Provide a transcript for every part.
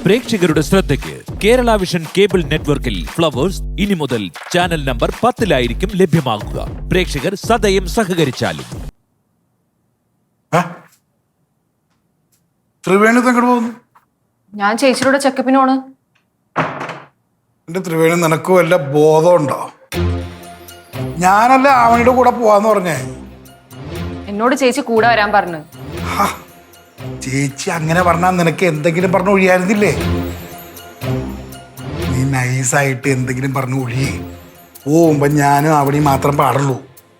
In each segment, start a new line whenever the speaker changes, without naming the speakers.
പ്രേക്ഷകരുടെ ശ്രദ്ധയ്ക്ക് Kerala vision cable നെറ്റ്വർക്കിൽ ഫ്ലവേഴ്സ് ഇനി മുതൽ ചാനൽ നമ്പർ 10-ലായിരിക്കും ലഭ്യമാകുക. പ്രേക്ഷകർ സദയം സഹകരിച്ചാലും.
ത്രിവേണി എങ്ങോട്ട് പോകുന്നു?
ഞാൻ ചേച്ചിയുടെ ചെക്കപ്പിനോണ്.
എന്റെ ത്രിവേണി, നിനക്ക് വല്ല ബോധമുണ്ടോ? ഞാനല്ലേ ആവണിയുടെ കൂടെ പോവാന്ന് പറഞ്ഞേ.
എന്നോട് ചേച്ചി കൂടെ വരാൻ പറഞ്ഞു.
ചേച്ചി അങ്ങനെ പറഞ്ഞാൽ നിനക്ക് എന്തെങ്കിലും പറഞ്ഞു ഒഴിയായിരുന്നില്ലേ? നീ നൈസായിട്ട് എന്തെങ്കിലും പറഞ്ഞു ഒഴിയേ. പോകുമ്പോ ഞാനും ആവണി മാത്രം പാടുള്ളൂ.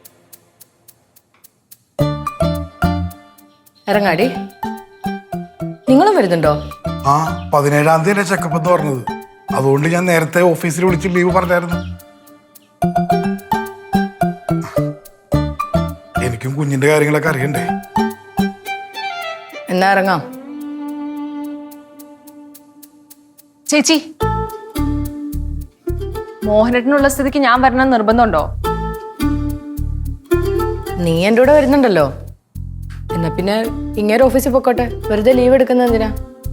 ഇറങ്ങാടി. നിങ്ങളും വരുന്നുണ്ടോ?
ആ, 17-ാം തീയതി ചെക്കപ്പ് എന്ന് പറഞ്ഞത്. അതുകൊണ്ട് ഞാൻ നേരത്തെ ഓഫീസിൽ വിളിച്ച് ലീവ് പറഞ്ഞായിരുന്നു. എനിക്കും കുഞ്ഞിന്റെ കാര്യങ്ങളൊക്കെ അറിയണ്ടേ.
എന്നാ ഇറങ്ങാം.
ചേച്ചി, മോഹനേട്ടനുള്ള സ്ഥിതിക്ക് ഞാൻ വരണം നിർബന്ധമുണ്ടോ?
നീ എൻ്റെ കൂടെ വരുന്നുണ്ടല്ലോ. എന്നാ പിന്നെ ഇങ്ങനെ ഓഫീസിൽ പൊക്കോട്ടെ. വെറുതെ ലീവ് എടുക്കുന്നത് എന്തിനാ?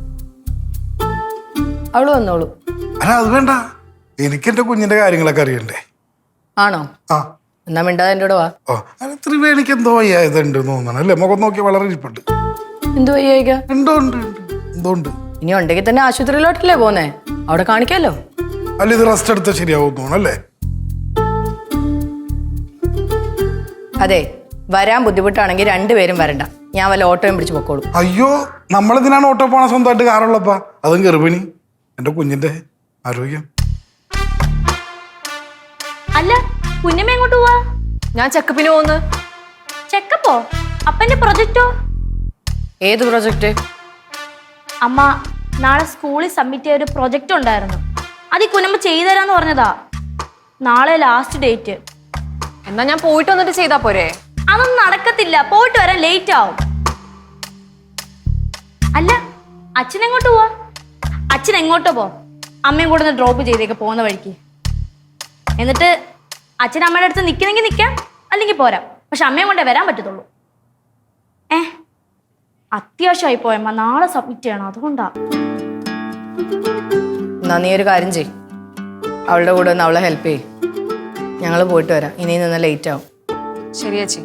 അവള് വന്നോളൂ.
അല്ല, അത് വേണ്ട. എനിക്ക് എന്റെ കുഞ്ഞിന്റെ കാര്യങ്ങളൊക്കെ അറിയണ്ടേ.
ആണോ?
ആ,
എന്നാ മിണ്ടാതെ എൻ്റെ കൂടെ വാ.
ഓ, അല്ല, ത്രിവേണിക്ക് എന്തോ വയ്യായതുണ്ട് തോന്നണം അല്ലേ? മുഖം നോക്കി വളരെ ഇരിപ്പുണ്ട്.
എന്തു വയ്യായിക?
ഉണ്ടോ? ഉണ്ട്, എന്തോ ഉണ്ട്.
ഇനി ഉണ്ടെങ്കിൽ തന്നെ ആശുപത്രിയിലോട്ടല്ലേ പോന്നേ? അവിടെ കാണിക്കാലോ.
അല്ല, ഇത് റെസ്റ്റ് എടുത്താൽ ശരിയാവും തോന്നല്ലേ?
അതെ, വരാൻ ബുദ്ധിമുട്ടാണെങ്കിൽ രണ്ടുപേരും വരണ്ട. ഞാൻ വല്ല ഓട്ടോയും പിടിച്ച് പൊക്കോളൂ.
അയ്യോ, നമ്മളെന്തിനാണ് ഓട്ടോ പോണ? സ്വന്തമായിട്ട് കാറുള്ളപ്പാ. അതും ഗർഭിണി. എന്റെ കുഞ്ഞിന്റെ ആരോഗ്യം.
അല്ല, കുഞ്ഞമ്മ എങ്ങോട്ട് പോവാ?
ഞാൻ ചെക്കപ്പിന് പോന്ന്.
ചെക്കപ്പോ? അപ്പന്റെ പ്രൊജക്റ്റോ?
ഏത് പ്രൊജക്റ്റ്?
അമ്മ നാളെ സ്കൂളിൽ സബ്മിറ്റ് ചെയ്ത ഒരു പ്രൊജക്റ്റ് ഉണ്ടായിരുന്നു. അത് ഈ കുഞ്ഞമ്മ ചെയ്തുതരാന്ന് പറഞ്ഞതാ. നാളെ ലാസ്റ്റ് ഡേറ്റ്.
എന്നാ ഞാൻ പോയിട്ട് വന്നിട്ട് ചെയ്താ പോരെ?
അതൊന്നും നടക്കത്തില്ല. പോയിട്ട് വരാൻ ലേറ്റ് ആവും. അല്ല, അച്ഛൻ എങ്ങോട്ട് പോവാ? അച്ഛൻ എങ്ങോട്ടോ പോ. അമ്മയും കൂടെ ഒന്ന് ഡ്രോപ്പ് ചെയ്തേക്ക് പോകുന്ന വഴിക്ക്. എന്നിട്ട് അച്ഛൻ അമ്മയുടെ അടുത്ത് നിൽക്കണമെങ്കിൽ നിൽക്കാം, അല്ലെങ്കിൽ പോരാം. പക്ഷെ അമ്മയും കൊണ്ടേ വരാൻ പറ്റത്തുള്ളൂ. അത്യാവശ്യമായി പോയമ്മ, നാളെ സബ്മിറ്റ് ചെയ്യണം. അതുകൊണ്ടാ.
എന്നാ നീ ഒരു കാര്യം ചെയ്, അവളുടെ കൂടെ ഒന്ന് അവളെ ഹെൽപ്പ് ചെയ്യ്. ഞങ്ങൾ പോയിട്ട് വരാം. ഇനി നിന്ന് ലേറ്റ് ആവും.
ശരി ചേച്ചി.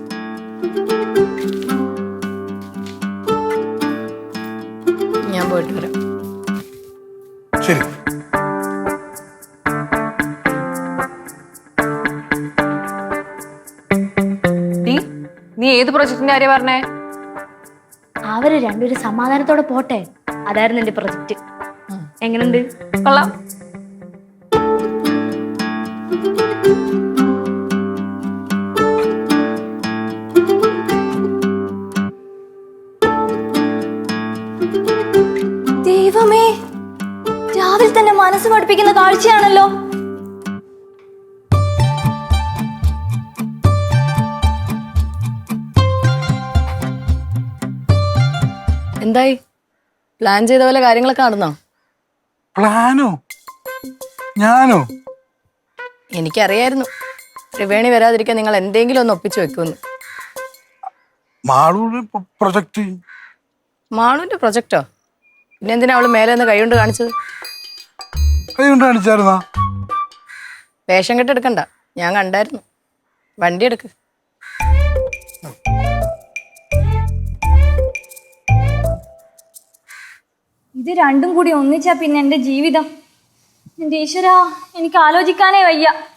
ഞാൻ പോയിട്ട് വരാം.
ശരി.
നീ ഏത് പ്രൊജക്ടിന്റെ കാര്യം പറഞ്ഞേ?
അവര് രണ്ടുപേരും സമാധാനത്തോടെ പോട്ടെ. അതായിരുന്നു എന്റെ പ്രൊജക്റ്റ്. എങ്ങനെയുണ്ട്?
കൊള്ളാം.
ദൈവമേ, രാവിലെ തന്നെ മനസ്സ് പഠിപ്പിക്കുന്ന കാഴ്ചയാണല്ലോ.
എന്തായി? പ്ലാൻ ചെയ്ത പോലെ കാര്യങ്ങളൊക്കെ നടന്നോ?
പ്ലാനോ? ഞാനോ?
എനിക്കറിയായിരുന്നു ത്രിവേണി വരാതിരിക്കാൻ നിങ്ങൾ എന്തെങ്കിലും ഒന്ന് ഒപ്പിച്ചു വെക്കുമെന്ന്.
മാളൂര് പ്രൊജക്ട്.
മാളുവിന്റെ പ്രൊജക്റ്റോ? പിന്നെ എന്തിനാ അവള് മേലെ നിന്ന് കൈ കൊണ്ട് കാണിച്ചത്?
കൈ കൊണ്ട് കാണിച്ചായിരുന്നാ?
വേഷം കെട്ടെടുക്കണ്ട, ഞാൻ കണ്ടായിരുന്നു. വണ്ടി എടുക്ക്.
ഇത് രണ്ടും കൂടി ഒന്നിച്ചാ പിന്നെ എൻ്റെ ജീവിതം. എൻ്റെ ഈശ്വരാ, എനിക്ക് ആലോചിക്കാനേ വയ്യ.